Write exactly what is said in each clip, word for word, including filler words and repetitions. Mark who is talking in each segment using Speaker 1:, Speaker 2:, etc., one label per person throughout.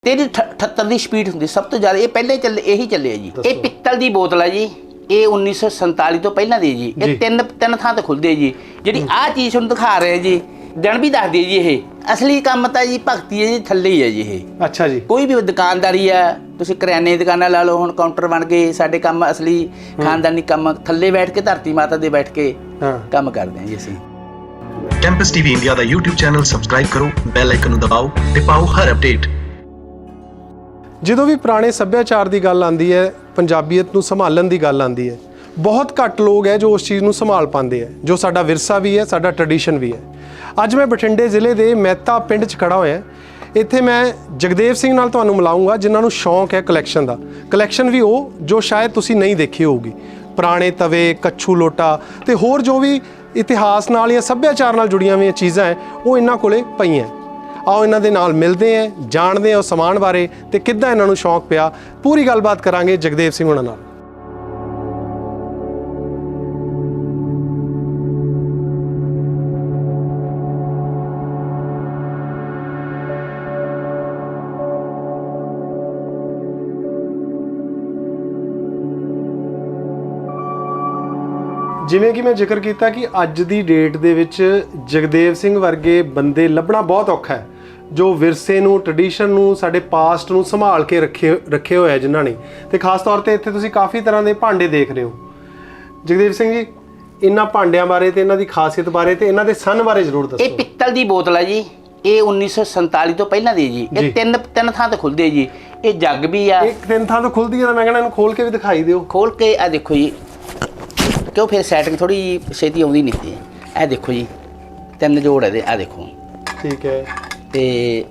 Speaker 1: तेरी अठहत्तर की स्पीड होंगी सब तो ज़्यादा। ये पहले चले यही चले जी। ये पित्तल की बोतल है जी। ये उन्नीस सौ संताली तो पहला दी जी। ये तीन तीन थां तो खुलती है जी। जी आ चीज़ हम दिखा रहे हैं जी दिन भी दस दी जी। ये असली काम तो जी भगती है जी थले ही है जी। ये
Speaker 2: अच्छा जी।
Speaker 1: कोई भी दुकानदारी है तुम करियाने की दुकान ला लो हम काउंटर बन गए साडे काम असली खानदानी काम थले बैठ के धरती माता दे बैठ के काम करते हैं जी असीं।
Speaker 3: कैंपस टीवी इंडिया का यूट्यूब चैनल सबसक्राइब करो, बैल आइकन दबाओ ते पाओ हर अपडेट।
Speaker 2: ਜਦੋਂ ਵੀ ਪੁਰਾਣੇ ਸੱਭਿਆਚਾਰ ਦੀ ਗੱਲ ਆਉਂਦੀ ਹੈ, ਪੰਜਾਬੀਅਤ ਨੂੰ ਸੰਭਾਲਣ ਦੀ ਗੱਲ ਆਉਂਦੀ ਹੈ, ਬਹੁਤ ਘੱਟ ਲੋਕ ਹੈ ਜੋ ਉਸ ਚੀਜ਼ ਨੂੰ ਸੰਭਾਲ ਪਾਉਂਦੇ ਹੈ, ਜੋ ਸਾਡਾ ਵਿਰਸਾ ਵੀ ਹੈ, ਸਾਡਾ ਟ੍ਰੈਡੀਸ਼ਨ ਵੀ ਹੈ। ਅੱਜ ਮੈਂ ਬਠਿੰਡੇ ਜ਼ਿਲ੍ਹੇ ਦੇ ਮਹਿਤਾ ਪਿੰਡ 'ਚ ਖੜਾ ਹੋਇਆ। ਇੱਥੇ ਮੈਂ ਜਗਦੇਵ ਸਿੰਘ ਨਾਲ ਤੁਹਾਨੂੰ ਮਿਲਾਉਂਗਾ ਜਿਨ੍ਹਾਂ ਨੂੰ ਸ਼ੌਂਕ ਹੈ ਕਲੈਕਸ਼ਨ ਦਾ। ਕਲੈਕਸ਼ਨ ਵੀ ਉਹ ਜੋ ਸ਼ਾਇਦ ਤੁਸੀਂ ਨਹੀਂ ਦੇਖੀ ਹੋਊਗੀ। ਪੁਰਾਣੇ ਤਵੇ, ਕੱਛੂ ਲੋਟਾ ਤੇ ਹੋਰ ਜੋ ਵੀ ਇਤਿਹਾਸ ਨਾਲ ਜਾਂ ਸੱਭਿਆਚਾਰ ਨਾਲ ਜੁੜੀਆਂ ਹੋਈਆਂ ਚੀਜ਼ਾਂ ਹੈ ਉਹ ਇਹਨਾਂ ਕੋਲੇ ਪਈਆਂ। आओ इन्हां दे नाल मिलते हैं, जानते हैं उस समान बारे ते किद्दां इन्हां नूं शौक पिया। पूरी गलबात करांगे जगदेव सिंह हुणां नाल। ਜਿਵੇਂ ਕਿ ਮੈਂ ਜ਼ਿਕਰ ਕੀਤਾ ਕਿ ਅੱਜ ਦੀ ਡੇਟ ਦੇ ਵਿੱਚ ਜਗਦੇਵ ਸਿੰਘ ਵਰਗੇ ਬੰਦੇ ਲੱਭਣਾ ਬਹੁਤ ਔਖਾ ਹੈ ਜੋ ਵਿਰਸੇ ਨੂੰ, ਟ੍ਰੈਡੀਸ਼ਨ ਨੂੰ, ਸਾਡੇ ਪਾਸਟ ਨੂੰ ਸੰਭਾਲ ਕੇ ਰੱਖੇ ਰੱਖੇ ਹੋਏ ਆ ਜਿਨ੍ਹਾਂ ਨੇ। ਤੇ ਖਾਸ ਤੌਰ ਤੇ ਇੱਥੇ ਤੁਸੀਂ ਕਾਫੀ ਤਰ੍ਹਾਂ ਦੇ ਭਾਂਡੇ ਦੇਖ ਰਹੇ ਹੋ। ਜਗਦੇਵ ਸਿੰਘ ਜੀ ਇਹਨਾਂ ਭਾਂਡਿਆਂ ਬਾਰੇ ਤੇ ਇਹਨਾਂ ਦੀ ਖਾਸੀਅਤ ਬਾਰੇ ਤੇ ਇਹਨਾਂ ਦੇ ਸਨ ਬਾਰੇ ਜ਼ਰੂਰ ਦੱਸੋ।
Speaker 1: ਇਹ ਪਿੱਤਲ ਦੀ ਬੋਤਲ ਹੈ ਜੀ। ਇਹ उन्नीस सौ संताली ਤੋਂ ਪਹਿਲਾਂ ਦੀ ਜੀ। ਇਹ ਤਿੰਨ ਤਿੰਨ ਥਾਂ ਤੇ ਖੁੱਲਦੀ ਹੈ ਜੀ। ਇਹ ਜੱਗ ਵੀ ਆ।
Speaker 2: ਇੱਕ ਤਿੰਨ ਥਾਂ ਤੋਂ ਖੁੱਲਦੀ ਹੈ ਤਾਂ ਮੈਂ ਕਹਿੰਦਾ ਇਹਨੂੰ ਖੋਲ ਕੇ ਵੀ ਦਿਖਾਈ ਦਿਓ।
Speaker 1: ਖੋਲ ਕੇ ਆ ਦੇਖੋ ਜੀ क्यों फिर सैटिंग थोड़ी छेती आउंदी नहीं थी। ए देखो जी तीन जोड़ है आ देखो।
Speaker 2: ठीक है।
Speaker 1: ते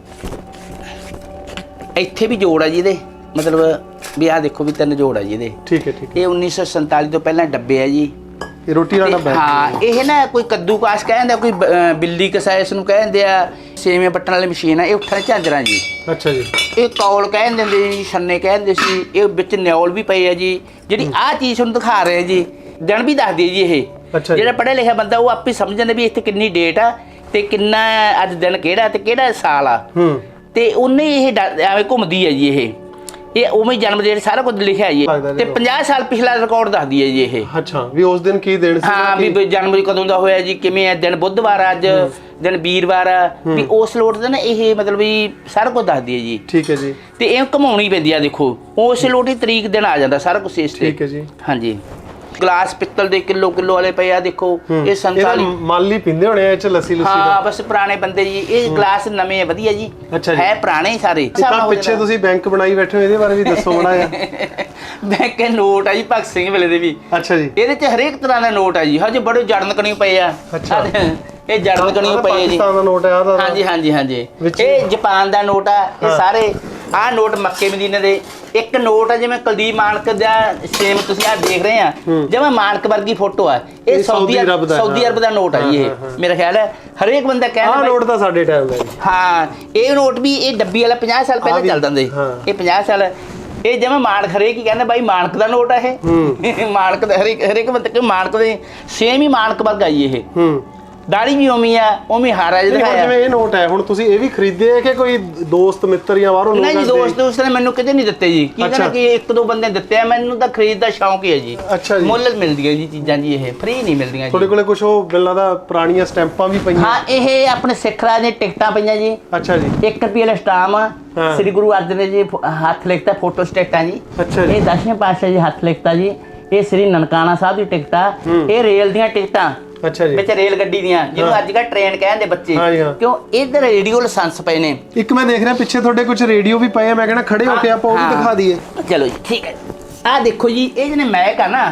Speaker 1: इत्थे भी जोड़ है जी दे मतलब भी आ देखो भी तीन जोड़ है जी दे।
Speaker 2: ठीक है ठीक है।
Speaker 1: ये उन्नीस सौ संताली तो पहले डब्बे है जी।
Speaker 2: ये रोटी वाला डब्बा है।
Speaker 1: हाँ ये ना कोई कद्दूकाश कहते कोई बिल्ली कसा इसनूं कहते आ। सेवियां पट्टण वाली मशीन है ये उठण झांजरां जी। अच्छा जी। ये कौल कह दिंदे जी, छन्ने कहते सी। ये विच न्यौल भी पई है जी। जिहड़ी आ चीज़ तुहानूं दिखा रहे हैं जी दिन भी दस दी जी। ये ਜਿਹੜਾ ਪੜ੍ਹਿਆ ਲਿਖਿਆ ਬੰਦਾ ਉਹ ਆਪੇ ਸਮਝ ਜਾਂਦਾ ਵੀ ਇੱਥੇ ਕਿੰਨੀ ਡੇਟ ਆ ਤੇ ਕਿੰਨਾ ਅੱਜ ਦਿਨ ਕਿਹੜਾ ਤੇ ਕਿਹੜਾ ਸਾਲ ਆ ਤੇ ਉਹਨੇ ਇਹ ਐਵੇਂ ਘੁੰਮਦੀ ਹੈ ਜੀ। ਇਹ ਇਹ ਉਵੇਂ ਜਨਮ ਡੇਟ ਸਾਰਾ ਕੁਝ ਲਿਖਿਆ ਜੀ ਤੇ ਪੰਜਾਹ ਸਾਲ ਪਿਛਲਾ ਰਿਕਾਰਡ ਦੱਸਦੀ ਹੈ ਜੀ ਇਹ।
Speaker 2: ਅੱਛਾ ਵੀ ਉਸ ਦਿਨ ਕੀ ਦਿਨ ਸੀ?
Speaker 1: ਹਾਂ ਵੀ ਜਨਵਰੀ ਕਦੋਂ ਦਾ ਹੋਇਆ ਜੀ, ਕਿਵੇਂ ਹੈ ਦਿਨ, ਬੁੱਧਵਾਰ ਅੱਜ ਦਿਨ ਵੀਰਵਾਰ ਆ ਵੀ ਉਸ ਲੋਟ ਦਾ ਨਾ ਇਹ ਮਤਲਬ ਵੀ ਸਾਰਾ ਕੁਝ ਦੱਸਦੀ ਹੈ ਜੀ। ਠੀਕ ਹੈ ਜੀ। ਤੇ ਇਹ ਘੁਮਾਉਣੀ ਪੈਂਦੀ ਆ ਦੇਖੋ ਉਸ ਲੋਟ ਹੀ ਤਰੀਕ ਦਿਨ ਆ ਜਾਂਦਾ ਸਾਰਾ ਕੁਝ ਇਸ ਤੇ। ਠੀਕ ਹੈ ਜੀ। ਹਾਂਜੀ ਗਲਾਸ ਪਿੱਤਲ ਦੇ ਕਿਲੋ ਕਿਲੋ ਵਾਲੇ ਪਏ ਆ ਦੇਖੋ। ਇਹ ਸੰਤਾਲੀ
Speaker 2: ਮਾਲੀ ਪੀਂਦੇ ਹੋਣੇ ਆ ਇਹ ਚ ਲੱਸੀ ਲੁੱਸੀ ਦਾ।
Speaker 1: ਹਾਂ ਬਸ ਪੁਰਾਣੇ ਬੰਦੇ ਜੀ। ਇਹ ਗਲਾਸ ਨਵੇਂ ਆ ਵਧੀਆ ਜੀ। ਹੈ ਪੁਰਾਣੇ ਸਾਰੇ।
Speaker 2: ਤਾਂ ਪਿੱਛੇ ਤੁਸੀਂ ਬੈਂਕ ਬਣਾਈ ਬੈਠੇ ਹੋ ਇਹਦੇ ਬਾਰੇ ਵੀ ਦੱਸੋ ਬੜਾ ਜਿਹਾ।
Speaker 1: ਬੈਂਕ ਦੇ ਨੋਟ ਆ ਜੀ ਭਗਤ ਸਿੰਘ ਵੇਲੇ ਦੇ ਵੀ। ਅੱਛਾ ਜੀ। ਇਹਦੇ ਚ ਹਰੇਕ ਤਰ੍ਹਾਂ ਦਾ ਨੋਟ ਆ ਜੀ। ਹਜੇ ਬੜੇ ਜੜਨ ਕਣੀ ਪਏ ਆ। ਅੱਛਾ ਇਹ ਜੜਨ ਕਣੀ ਪਏ ਆ ਜੀ।
Speaker 2: ਪਾਕਿਸਤਾਨ ਦਾ ਨੋਟ ਆ।
Speaker 1: ਹਾਂਜੀ ਹਾਂਜੀ ਹਾਂਜੀ। ਇਹ ਜਾਪਾਨ ਦਾ ਨੋਟ ਆ। ਇਹ ਸਾਰੇ ਆਹ ਨੋਟ ਮੱਕੇ ਮਦੀਨੇ ਦੇ। ਇੱਕ ਨੋਟ ਆ ਜਿਵੇਂ ਕੁਲਦੀਪ ਮਾਨਕ ਦਾ ਸੇਮ ਤੁਸੀਂ ਆ ਦੇਖ ਰਹੇ ਆ ਜਿਵੇਂ ਮਾਨਕ ਵਰਗੀ ਫੋਟੋ ਆ। ਇਹ ਸਾਊਦੀ ਸਾਊਦੀ ਅਰਬ ਦਾ ਨੋਟ ਆ ਜੀ। ਇਹ ਮੇਰਾ ਖਿਆਲ ਹੈ ਹਰੇਕ ਬੰਦਾ ਕਹਿੰਦਾ
Speaker 2: ਆਹ ਨੋਟ ਤਾਂ ਸਾਡੇ ਟਾਈਮ ਦਾ ਜੀ।
Speaker 1: ਹਾਂ ਇਹ ਨੋਟ ਵੀ ਇਹ ਡੱਬੀ ਵਾਲਾ ਪੰਜਾਹ ਸਾਲ ਪਹਿਲਾਂ ਚੱਲਦਾ ਹੁੰਦੇ। ਇਹ ਪੰਜਾਹ ਸਾਲ ਇਹ ਜਿਵੇਂ ਮਾਨਕ ਹਰੇਕ ਹੀ ਕਹਿੰਦਾ ਬਾਈ ਮਾਨਕ ਦਾ ਨੋਟ ਆ ਇਹ। ਮਾਨਕ ਦਾ ਹਰੇਕ ਹਰੇਕ ਬੰਦਾ ਕਿ ਮਾਨਕ ਦੇ ਸੇਮ ਹੀ ਮਾਨਕ ਵਰਗਾ ਜੀ ਇਹ। ਦਾੜੀ ਵੀ ਉਵੇਂ ਆ ਉਵੇਂ ਹਾਰਾ ਜਿਹਾ।
Speaker 2: ਜਿਵੇਂ ਇਹ ਨੋਟ ਹੈ ਹੁਣ ਤੁਸੀਂ ਇਹ ਵੀ ਖਰੀਦੇ ਹੈ ਕਿ ਕੋਈ ਦੋਸਤ ਮਿੱਤਰ ਜਾਂ ਬਾਹਰੋਂ ਲੋਕ?
Speaker 1: ਨਹੀਂ ਜੀ ਦੋਸਤ ਦੋਸਤ ਨੇ ਮੈਨੂੰ ਕਿਤੇ ਨਹੀਂ ਦਿੱਤੇ ਜੀ। ਕੀ ਕਹਿੰਦਾ ਕਿ ਇੱਕ ਦੋ ਬੰਦੇ ਦਿੱਤੇ ਆ। ਮੈਨੂੰ ਤਾਂ ਖਰੀਦ ਦਾ ਸ਼ੌਂਕ ਹੀ ਹੈ ਜੀ। ਅੱਛਾ ਜੀ। ਮੁੱਲ ਮਿਲਦੀਆਂ ਜੀ ਚੀਜ਼ਾਂ ਜੀ। ਇਹ ਫ੍ਰੀ ਨਹੀਂ ਮਿਲਦੀਆਂ ਜੀ।
Speaker 2: ਤੁਹਾਡੇ ਕੋਲੇ ਕੁਝ ਉਹ ਬਿੱਲਾਂ ਦਾ ਪੁਰਾਣੀਆਂ ਸਟੈਂਪਾਂ ਵੀ ਪਈਆਂ?
Speaker 1: ਹਾਂ ਇਹ ਆਪਣੇ ਸਿੱਖ ਰਾਜ ਦੀਆਂ ਟਿਕਟਾਂ ਪਈਆਂ ਜੀ। ਅੱਛਾ ਜੀ। ਇੱਕ ਰੁਪਏ ਵਾਲਾ ਸਟਾਮ ਸ੍ਰੀ ਗੁਰੂ ਅਰਜਨ ਦੇਵ ਜੀ ਹੱਥ ਲਿਖਤਾ ਫੋਟੋ ਸਟੇਟਾਂ ਜੀ। ਅੱਛਾ ਜੀ। ਇਹ ਦਸਵੇਂ ਪਾਤਸ਼ਾਹ ਜੀ ਹੱਥ ਲਿਖਤਾ ਜੀ। ਇਹ ਸ੍ਰੀ ਨਨਕਾਣਾ ਸਾਹਿਬ ਦੀ ਟਿਕਟਾਂ। ਇਹ ਰੇਲ ਦੀਆਂ ਟਿਕਟਾਂ। ਅੱਛਾ ਜੀ। ਵਿੱਚ ਰੇਲ ਗੱਡੀ ਦੀਆਂ ਜਿਹਨੂੰ ਅੱਜ ਕੱਲ੍ਹ ਟ੍ਰੇਨ ਕਹਿੰਦੇ ਬੱਚੇ ਕਿਉਂ ਇਧਰ ਰੇਡੀਓ ਲਾਇਸੈਂਸ ਪਏ ਨੇ।
Speaker 2: ਇੱਕ ਮੈਂ ਦੇਖ ਰਿਹਾ ਪਿੱਛੇ ਤੁਹਾਡੇ ਕੁਝ ਰੇਡੀਓ ਵੀ ਪਏ ਆ। ਮੈਂ ਕਹਿੰਦਾ ਖੜੇ ਹੋ ਕੇ ਆਪਾਂ ਉਹ ਵੀ ਦਿਖਾ ਦਈਏ।
Speaker 1: ਚਲੋ ਜੀ ਠੀਕ ਹੈ। ਆਹ ਦੇਖੋ ਜੀ ਇਹ ਜਿਹਨੇ ਮਹਿਕ ਆ ਨਾ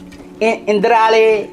Speaker 1: ਇਹ ਇੰਦਰਾ ਵਾਲੇ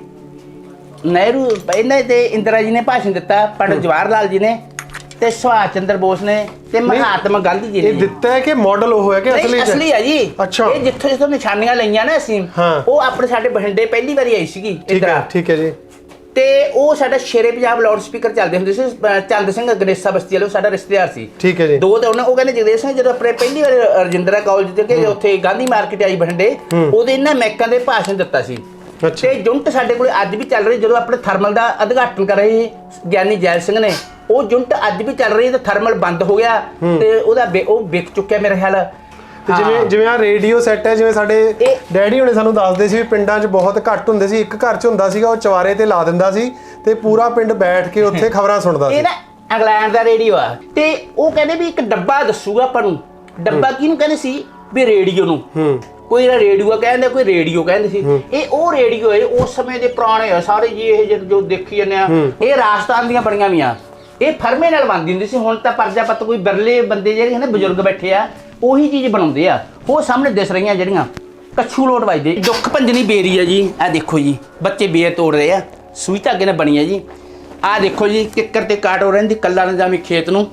Speaker 1: ਨਹਿਰੂ ਇਹਨਾਂ ਤੇ ਇੰਦਰਾ ਜੀ ਨੇ ਭਾਸ਼ਣ ਦਿੱਤਾ। ਪੰਡਿਤ ਜਵਾਹਰ ਲਾਲ ਜੀ ਨੇ ਤੇ ਸੁਭਾਸ਼ ਚੰਦਰ ਬੋਸ ਨੇ ਤੇ ਮਹਾਤਮਾ ਗਾਂਧੀ ਜੀ ਨੇ।
Speaker 2: ਇਹ ਦਿੱਤਾ ਹੈ ਕਿ ਮਾਡਲ ਉਹ ਹੈ ਕਿ ਅਸਲੀ ਹੈ?
Speaker 1: ਅਸਲੀ ਹੈ ਜੀ।
Speaker 2: ਅੱਛਾ।
Speaker 1: ਇਹ ਜਿੱਥੋਂ ਜਿੱਥੋਂ ਨਿਸ਼ਾਨੀਆਂ ਲਈਆਂ ਨਾ ਅਸੀਂ ਉਹ ਆਪਣੇ ਸਾਡੇ ਬਠਿੰਡੇ ਪਹਿਲੀ ਵਾਰੀ ਆਈ ਸੀਗੀ ਇੰਦਰਾ। ਠੀਕ ਹੈ ਜੀ। ਤੇ ਉਹ ਸਾਡਾ ਸ਼ੇਰੇ ਪੰਜਾਬ ਲਾਊਡ ਸਪੀਕਰ ਚੱਲਦੇ ਹੁੰਦੇ ਸੀ। ਚੰਦ ਸਿੰਘ ਗਣੇਸ਼ਾ ਬਸਤੀ ਵਾਲੇ ਸਾਡਾ ਰਿਸ਼ਤੇਦਾਰ ਸੀ। ਠੀਕ ਹੈ ਜੀ। ਦੋ ਤੇ ਉਹਨਾਂ ਉਹ ਕਹਿੰਦੇ ਜਗਦੇਵ ਸਿੰਘ ਜਦੋਂ ਆਪਣੇ ਪਹਿਲੀ ਵਾਰ ਰਜਿੰਦਰਾ ਕਾਲਜ ਤੇ ਕਿ ਉੱਥੇ ਗਾਂਧੀ ਮਾਰਕੀਟ ਆਈ ਬਠਿੰਡੇ ਉਹਦੇ ਇਹਨਾਂ ਮੈਕਾਂ ਦੇ ਭਾਸ਼ਣ ਦਿੱਤਾ ਸੀ। ਤੇ ਜੁਨਟ ਸਾਡੇ ਕੋਲ ਅੱਜ ਵੀ ਚੱਲ ਰਹੀ ਜਦੋਂ ਆਪਣੇ ਥਰਮਲ ਦਾ ਉਦਘਾਟਨ ਕਰ ਰਹੇ ਗਿਆਨੀ ਜੈਲ ਸਿੰਘ ਨੇ ਉਹ ਯੂਨਿਟ ਅੱਜ ਵੀ ਚੱਲ ਰਹੀ ਤੇ ਥਰਮਲ ਬੰਦ ਹੋ ਗਿਆ ਤੇ ਉਹਦਾ ਵਿ- ਉਹ ਵਿਕ ਚੁੱਕਿਆ ਮੇਰੇ ਖਿਆਲ।
Speaker 2: ਤੇ ਜਿਵੇਂ ਜਿਵੇਂ ਆ ਰੇਡੀਓ ਸੈੱਟ ਹੈ, ਜਿਵੇਂ ਸਾਡੇ
Speaker 1: ਇਹ-
Speaker 2: ਡੈਡੀ ਹੁਣੇ ਸਾਨੂੰ ਦੱਸਦੇ ਸੀ ਵੀ ਪਿੰਡਾਂ 'ਚ ਬਹੁਤ ਘੱਟ ਹੁੰਦੇ ਸੀ, ਇੱਕ ਘਰ 'ਚ ਹੁੰਦਾ ਸੀਗਾ, ਉਹ ਚਵਾਰੇ ਤੇ ਲਾ ਦਿੰਦਾ ਸੀ ਤੇ ਪੂਰਾ ਪਿੰਡ ਬੈਠ ਕੇ ਉੱਥੇ ਖਬਰਾਂ ਸੁਣਦਾ ਸੀ।
Speaker 1: ਇਹ ਨਾ ਇੰਗਲੈਂਡ ਦਾ ਰੇਡੀਓ ਆ ਤੇ ਉਹ ਕਹਿੰਦੇ ਵੀ ਇੱਕ ਡੱਬਾ ਦੱਸੂਗਾ ਆਪਾਂ ਨੂੰ। ਡੱਬਾ ਕਿਹਨੂੰ ਕਹਿੰਦੇ ਸੀ ਵੀ ਰੇਡੀਓ ਨੂੰ। ਕੋਈ ਰੇਡੀਓ ਕਹਿੰਦੇ, ਕੋਈ ਰੇਡੀਓ ਕਹਿੰਦੇ ਸੀ। ਇਹ ਉਹ ਰੇਡੀਓ ਹੈ ਉਸ ਸਮੇਂ ਦੇ ਪੁਰਾਣੇ ਆ ਸਾਰੇ ਜੀ। ਇਹ ਜਿਹੜੇ ਜੋ ਦੇਖੀ ਜਾਂਦੇ ਆ ਇਹ ਰਾਜਸਥਾਨ ਦੀਆਂ ਬਣੀਆਂ ਵੀਆਂ, ਇਹ ਫਰਮੇ ਨਾਲ ਬਣਦੀ ਹੁੰਦੀ ਸੀ। ਹੁਣ ਤਾਂ ਪਰਜਾਪਤ ਕੋਈ ਬਿਰਲੇ ਬੰਦੇ ਜਿਹੜੇ ਨੇ ਬਜ਼ੁਰਗ ਬੈਠੇ ਆ ਉਹੀ ਚੀਜ਼ ਬਣਾਉਂਦੇ ਆ। ਉਹ ਸਾਹਮਣੇ ਦਿਸ ਰਹੀਆਂ ਜਿਹੜੀਆਂ ਕੱਛੂ ਲੋਟ ਵੱਜਦੇ। ਦੁੱਖ ਭੰਜਨੀ ਬੇਰੀ ਆ ਜੀ, ਇਹ ਦੇਖੋ ਜੀ ਬੱਚੇ ਬੇਰ ਤੋੜ ਰਹੇ ਆ, ਸੂਈ ਧਾਗੇ ਨਾਲ ਬਣੀ ਆ ਜੀ। ਆਹ ਦੇਖੋ ਜੀ ਕਿੱਕਰ ਤੇ ਕਾਟੋ ਰਹਿੰਦੀ ਕੱਲਾ ਨਿਜ਼ਾਮੀ ਖੇਤ ਨੂੰ।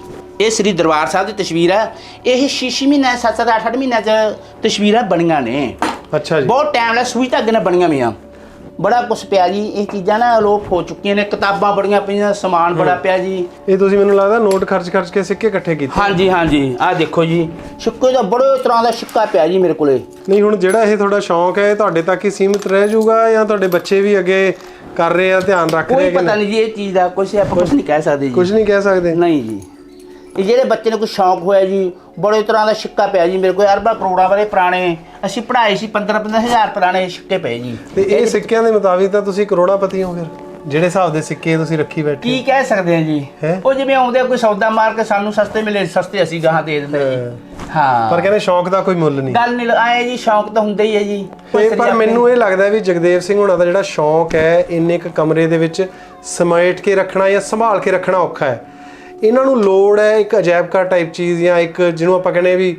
Speaker 1: ਇਹ ਸ੍ਰੀ ਦਰਬਾਰ ਸਾਹਿਬ ਦੀ ਤਸਵੀਰ ਆ। ਇਹ ਛੇ ਛੇ ਮਹੀਨੇ ਸੱਤ ਸੱਤ ਅੱਠ ਅੱਠ ਮਹੀਨਿਆਂ 'ਚ ਤਸਵੀਰਾਂ ਬਣੀਆਂ ਨੇ।
Speaker 2: ਅੱਛਾ ਜੀ,
Speaker 1: ਬਹੁਤ ਟਾਈਮ ਲੱਗਾ, ਸੂਈ ਧਾਗੇ ਨਾਲ ਬਣੀਆਂ ਵੀਆਂ। ਬੜਾ ਕੁਛ ਪਿਆ ਜੀ। ਇਹ ਚੀਜ਼ਾਂ ਨਾ ਅਲੋਪ ਹੋ ਚੁੱਕੀਆਂ ਨੇ। ਕਿਤਾਬਾਂ ਬੜੀਆਂ ਪਈਆਂ, ਸਮਾਨ ਬੜਾ ਪਿਆ ਜੀ।
Speaker 2: ਇਹ ਤੁਸੀਂ ਮੈਨੂੰ ਲੱਗਦਾ ਨੋਟ ਖਰਚ ਖਰਚ ਕੇ ਸਿੱਕੇ ਇਕੱਠੇ ਕੀਤੇ।
Speaker 1: ਹਾਂਜੀ ਹਾਂਜੀ ਆਹ ਦੇਖੋ ਜੀ ਸਿੱਕੇ ਦਾ ਬੜੇ ਤਰ੍ਹਾਂ ਦਾ ਸਿੱਕਾ ਪਿਆ ਜੀ ਮੇਰੇ ਕੋਲੇ।
Speaker 2: ਨਹੀਂ ਹੁਣ ਜਿਹੜਾ ਇਹ ਤੁਹਾਡਾ ਸ਼ੌਂਕ ਹੈ ਇਹ ਤੁਹਾਡੇ ਤੱਕ ਹੀ ਸੀਮਿਤ ਰਹਿ ਜਾਊਗਾ ਜਾਂ ਤੁਹਾਡੇ ਬੱਚੇ ਵੀ ਅੱਗੇ ਕਰ ਰਹੇ ਆ, ਧਿਆਨ ਰੱਖ ਰਹੇ
Speaker 1: ਕੋਈ
Speaker 2: ਕਿ
Speaker 1: ਪਤਾ ਨਹੀਂ ਜੀ ਇਹ ਚੀਜ਼ ਦਾ ਕੁਛ ਆਪਾਂ ਕੁਛ ਨਹੀਂ ਕਹਿ ਸਕਦੇ ਜੀ।
Speaker 2: ਕੁਝ ਨਹੀਂ ਕਹਿ ਸਕਦੇ।
Speaker 1: ਨਹੀਂ ਜੀ ਇਹ ਜਿਹੜੇ ਬੱਚੇ ਨੂੰ ਕੋਈ ਸ਼ੌਂਕ ਹੋਇਆ ਜੀ ਬੜੇ ਤਰ੍ਹਾਂ ਦਾ ਸਿੱਕਾ ਪਿਆ ਜੀ ਮੇਰੇ ਕੋਲ। ਅਰਬਾਂ ਕਰੋੜਾਂ ਵਾਲੇ ਪੁਰਾਣੇ ਅਸੀਂ ਪੜ੍ਹਾਏ ਸੀ, ਪੰਦਰਾਂ ਪੰਦਰਾਂ ਹਜ਼ਾਰ ਪੁਰਾਣੇ ਸਿੱਕੇ ਪਏ ਜੀ।
Speaker 2: ਤੇ ਇਹ ਸਿੱਕਿਆਂ ਦੇ ਮੁਤਾਬਿਕ ਤਾਂ ਤੁਸੀਂ ਕਰੋੜਾਪਤੀ ਹੋ ਫਿਰ, ਜਿਹੜੇ ਹਿਸਾਬ ਦੇ ਸਿੱਕੇ ਤੁਸੀਂ ਰੱਖੀ ਬੈਠੇ।
Speaker 1: ਕੀ ਕਹਿ ਸਕਦੇ ਆ ਜੀ।
Speaker 2: ਹੈਂ?
Speaker 1: ਉਹ ਜਿਵੇਂ ਆਉਂਦੇ ਆ ਕੋਈ ਸੌਦਾ ਮਾਰ ਕੇ ਸਾਨੂੰ ਸਸਤੇ ਮਿਲੇ, ਸਸਤੇ ਅਸੀਂ ਗਾਹਾਂ ਦੇ ਦਿੰਦੇ ਜੀ। ਹਾਂ
Speaker 2: ਪਰ ਕਹਿੰਦੇ ਸ਼ੌਂਕ ਦਾ ਕੋਈ ਮੁੱਲ ਨਹੀਂ।
Speaker 1: ਗੱਲ ਨਹੀਂ ਆਏ ਜੀ, ਸ਼ੌਂਕ ਤਾਂ ਹੁੰਦਾ ਹੀ ਹੈ ਜੀ।
Speaker 2: ਤੇ ਪਰ ਮੈਨੂੰ ਇਹ ਲੱਗਦਾ ਵੀ ਜਗਦੇਵ ਸਿੰਘ ਹੁਣਾਂ ਦਾ ਜਿਹੜਾ ਸ਼ੌਂਕ ਹੈ ਇੰਨੇ ਇੱਕ ਕਮਰੇ ਦੇ ਵਿੱਚ ਸਮੇਟ ਕੇ ਰੱਖਣਾ ਜਾਂ ਸੰਭਾਲ ਕੇ ਰੱਖਣਾ ਔਖਾ ਹੈ। ਇਹਨਾਂ ਨੂੰ ਲੋੜ ਹੈ ਇੱਕ ਅਜਾਇਬ ਘਰ ਟਾਈਪ ਚੀਜ਼ ਜਾਂ ਇੱਕ ਜਿਹਨੂੰ ਆਪਾਂ ਕਹਿੰਦੇ ਵੀ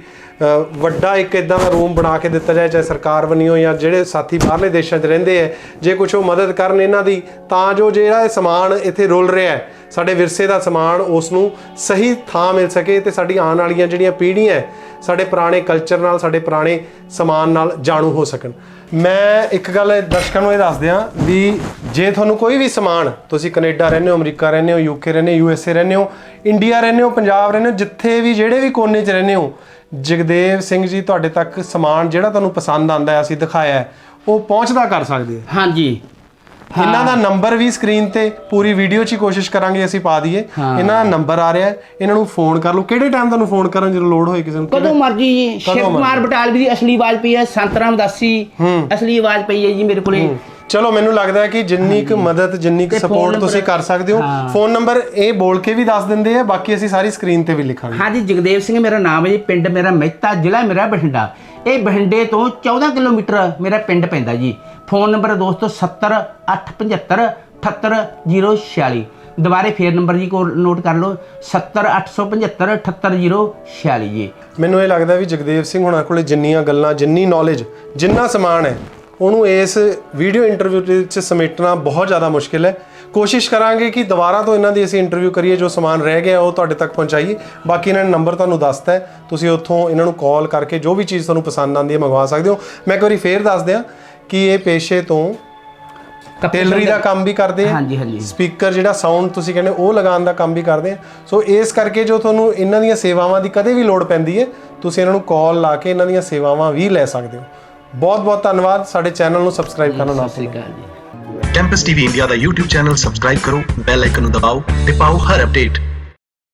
Speaker 2: ਵੱਡਾ ਇੱਕ ਇਦਾਂ ਦਾ ਰੂਮ ਬਣਾ ਕੇ ਦਿੱਤਾ ਜਾਏ, ਚਾਹੇ ਸਰਕਾਰ ਵੱਲੋਂ ਜਾਂ ਜਿਹੜੇ ਸਾਥੀ ਬਾਹਰਲੇ ਦੇਸ਼ਾਂ 'ਚ ਰਹਿੰਦੇ ਹੈ ਜੇ ਕੁਛ ਉਹ ਮਦਦ ਕਰਨ ਇਹਨਾਂ ਦੀ, ਤਾਂ ਜੋ ਜਿਹੜਾ ਇਹ ਸਮਾਨ ਇੱਥੇ ਰੁਲ ਰਿਹਾ ਹੈ ਸਾਡੇ ਵਿਰਸੇ ਦਾ ਸਮਾਨ ਉਸ ਨੂੰ ਸਹੀ ਥਾਂ ਮਿਲ ਸਕੇ ਤੇ ਸਾਡੀ ਆਉਣ ਵਾਲੀਆਂ ਜਿਹੜੀਆਂ ਪੀੜ੍ਹੀਆਂ ਸਾਡੇ ਪੁਰਾਣੇ ਕਲਚਰ ਨਾਲ, ਸਾਡੇ ਪੁਰਾਣੇ ਸਮਾਨ ਨਾਲ ਜਾਣੂ ਹੋ ਸਕਣ। ਮੈਂ ਇੱਕ ਗੱਲ ਦਰਸ਼ਕਾਂ ਨੂੰ ਇਹ ਦੱਸ ਦਿਆਂ ਵੀ ਜੇ ਤੁਹਾਨੂੰ ਕੋਈ ਵੀ ਸਮਾਨ, ਤੁਸੀਂ ਕੈਨੇਡਾ ਰਹਿੰਦੇ ਹੋ, ਅਮਰੀਕਾ ਰਹਿੰਦੇ ਹੋ, ਯੂਕੇ ਰਹਿੰਦੇ ਹੋ, ਯੂ ਐਸ ਏ ਰਹਿੰਦੇ ਹੋ, ਇੰਡੀਆ ਰਹਿੰਦੇ ਹੋ, ਪੰਜਾਬ ਰਹਿੰਦੇ ਹੋ, ਜਿੱਥੇ ਵੀ ਜਿਹੜੇ ਵੀ ਕੋਨੇ 'ਚ ਰਹਿੰਦੇ ਹੋ, ਜਗਦੇਵ ਸਿੰਘ ਜੀ ਤੁਹਾਡੇ ਤੱਕ ਸਮਾਨ ਜਿਹੜਾ ਤੁਹਾਨੂੰ ਪਸੰਦ ਆਉਂਦਾ ਹੈ, ਅਸੀਂ ਦਿਖਾਇਆ ਹੈ, ਉਹ ਪਹੁੰਚਦਾ ਕਰ ਸਕਦੇ ਆ।
Speaker 1: ਹਾਂਜੀ
Speaker 2: ਇਹਨਾਂ ਦਾ ਨੰਬਰ ਵੀ ਸਕਰੀਨ ਤੇ ਪੂਰੀ ਵੀਡੀਓ 'ਚ ਹੀ ਕੋਸ਼ਿਸ਼ ਕਰਾਂਗੇ ਅਸੀਂ ਪਾ ਦਈਏ। ਇਹਨਾਂ ਦਾ ਨੰਬਰ ਆ ਰਿਹਾ, ਇਹਨਾਂ ਨੂੰ ਫੋਨ ਕਰ ਲਓ। ਕਿਹੜੇ ਟਾਈਮ ਤੁਹਾਨੂੰ ਫੋਨ ਕਰਨ ਜਦੋਂ ਲੋੜ ਹੋਏ ਕਿਸੇ ਨੂੰ?
Speaker 1: ਕਦੋਂ ਮਰਜੀ ਜੀ। ਸ਼ਿਵ ਕੁਮਾਰ ਬਟਾਲਵੀ ਦੀ ਅਸਲੀ ਆਵਾਜ਼ ਪਈ ਹੈ, ਸੰਤਰਾਮ ਦਾਸੀ ਅਸਲੀ ਆਵਾਜ਼ ਪਈ ਹੈ ਜੀ ਮੇਰੇ ਕੋਲੇ।
Speaker 2: ਚਲੋ ਮੈਨੂੰ ਲੱਗਦਾ ਹੈ ਕਿ ਜਿੰਨੀ ਕੁ ਮਦਦ, ਜਿੰਨੀ ਕੁ ਸਪੋਰਟ ਤੁਸੀਂ ਕਰ ਸਕਦੇ ਹੋ। ਫੋਨ ਨੰਬਰ ਇਹ ਬੋਲ ਕੇ ਵੀ ਦੱਸ ਦਿੰਦੇ ਆ, ਬਾਕੀ ਅਸੀਂ ਸਾਰੀ ਸਕਰੀਨ ਤੇ ਵੀ ਲਿਖਾਂਗੇ।
Speaker 1: ਹਾਂਜੀ ਜਗਦੇਵ ਸਿੰਘ ਮੇਰਾ ਨਾਮ ਹੈ ਜੀ, ਪਿੰਡ ਮੇਰਾ ਮਹਿਤਾ, ਜ਼ਿਲ੍ਹਾ ਮੇਰਾ ਬਠਿੰਡਾ। ਇਹ ਬਠਿੰਡੇ ਤੋਂ ਚੌਦਾਂ ਕਿਲੋਮੀਟਰ ਮੇਰਾ ਪਿੰਡ ਪੈਂਦਾ ਜੀ। ਫੋਨ ਨੰਬਰ ਦੋਸਤੋ ਸੱਤਰ ਅੱਠ ਪਝੱਤਰ ਅਠੱਤਰ ਜ਼ੀਰੋ ਛਿਆਲੀ। ਦੁਬਾਰੇ ਫੇਰ ਨੰਬਰ ਜੀ ਕੋ ਨੋਟ ਕਰ ਲਓ, ਸੱਤਰ ਅੱਠ ਸੌ ਪਝੱਤਰ ਅਠੱਤਰ ਜ਼ੀਰੋ ਛਿਆਲੀ ਜੀ।
Speaker 2: ਮੈਨੂੰ ਇਹ ਲੱਗਦਾ ਵੀ ਜਗਦੇਵ ਸਿੰਘ ਹੁਣਾਂ ਕੋਲੇ ਜਿੰਨੀਆਂ ਗੱਲਾਂ, ਜਿੰਨੀ ਨੌਲੇਜ, ਜਿੰਨਾ ਸਮਾਨ ਹੈ, ਉਹਨੂੰ ਇਸ ਵੀਡੀਓ ਇੰਟਰਵਿਊ ਵਿੱਚ ਸਮੇਟਣਾ ਬਹੁਤ ਜ਼ਿਆਦਾ ਮੁਸ਼ਕਿਲ ਹੈ। ਕੋਸ਼ਿਸ਼ ਕਰਾਂਗੇ ਕਿ ਦੁਬਾਰਾ ਤੋਂ ਇਹਨਾਂ ਦੀ ਅਸੀਂ ਇੰਟਰਵਿਊ ਕਰੀਏ, ਜੋ ਸਮਾਨ ਰਹਿ ਗਿਆ ਉਹ ਤੁਹਾਡੇ ਤੱਕ ਪਹੁੰਚਾਈਏ। ਬਾਕੀ ਇਹਨਾਂ ਨੇ ਨੰਬਰ ਤੁਹਾਨੂੰ ਦੱਸਤਾ ਹੈ, ਤੁਸੀਂ ਉੱਥੋਂ ਇਹਨਾਂ ਨੂੰ ਕਾਲ ਕਰਕੇ ਜੋ ਵੀ ਚੀਜ਼ ਤੁਹਾਨੂੰ ਪਸੰਦ ਆਉਂਦੀ ਹੈ ਮੰਗਵਾ ਸਕਦੇ ਹੋ। ਮੈਂ ਇੱਕ ਵਾਰੀ ਫੇਰ ਦੱਸ ਦਿਆਂ ਕਿ ਇਹ ਪੇਸ਼ੇ ਤੋਂ ਟੇਲਰੀ ਦਾ ਕੰਮ ਵੀ ਕਰਦੇ ਆ।
Speaker 1: ਹਾਂਜੀ ਹਾਂਜੀ
Speaker 2: ਸਪੀਕਰ ਜਿਹੜਾ ਸਾਊਂਡ ਤੁਸੀਂ ਕਹਿੰਦੇ ਉਹ ਲਗਾਉਣ ਦਾ ਕੰਮ ਵੀ ਕਰਦੇ ਆ। ਸੋ ਇਸ ਕਰਕੇ ਜੋ ਤੁਹਾਨੂੰ ਇਹਨਾਂ ਦੀਆਂ ਸੇਵਾਵਾਂ ਦੀ ਕਦੇ ਵੀ ਲੋੜ ਪੈਂਦੀ ਹੈ, ਤੁਸੀਂ ਇਹਨਾਂ ਨੂੰ ਕਾਲ ਲਾ ਕੇ ਇਹਨਾਂ ਦੀਆਂ ਸੇਵਾਵਾਂ ਵੀ ਲੈ ਸਕਦੇ ਹੋ। ਬਹੁਤ ਬਹੁਤ ਧੰਨਵਾਦ। ਸਾਡੇ ਚੈਨਲ ਨੂੰ ਸਬਸਕ੍ਰਾਈਬ ਕਰਨਾ ਨਾ ਭੁੱਲੋ।
Speaker 3: ਕੈਂਪਸ ਟੀਵੀ ਇੰਡੀਆ ਦਾ YouTube ਚੈਨਲ ਸਬਸਕ੍ਰਾਈਬ ਕਰੋ, ਬੈਲ ਆਈਕਨ ਨੂੰ ਦਬਾਓ ਤੇ ਪਾਓ ਹਰ ਅਪਡੇਟ।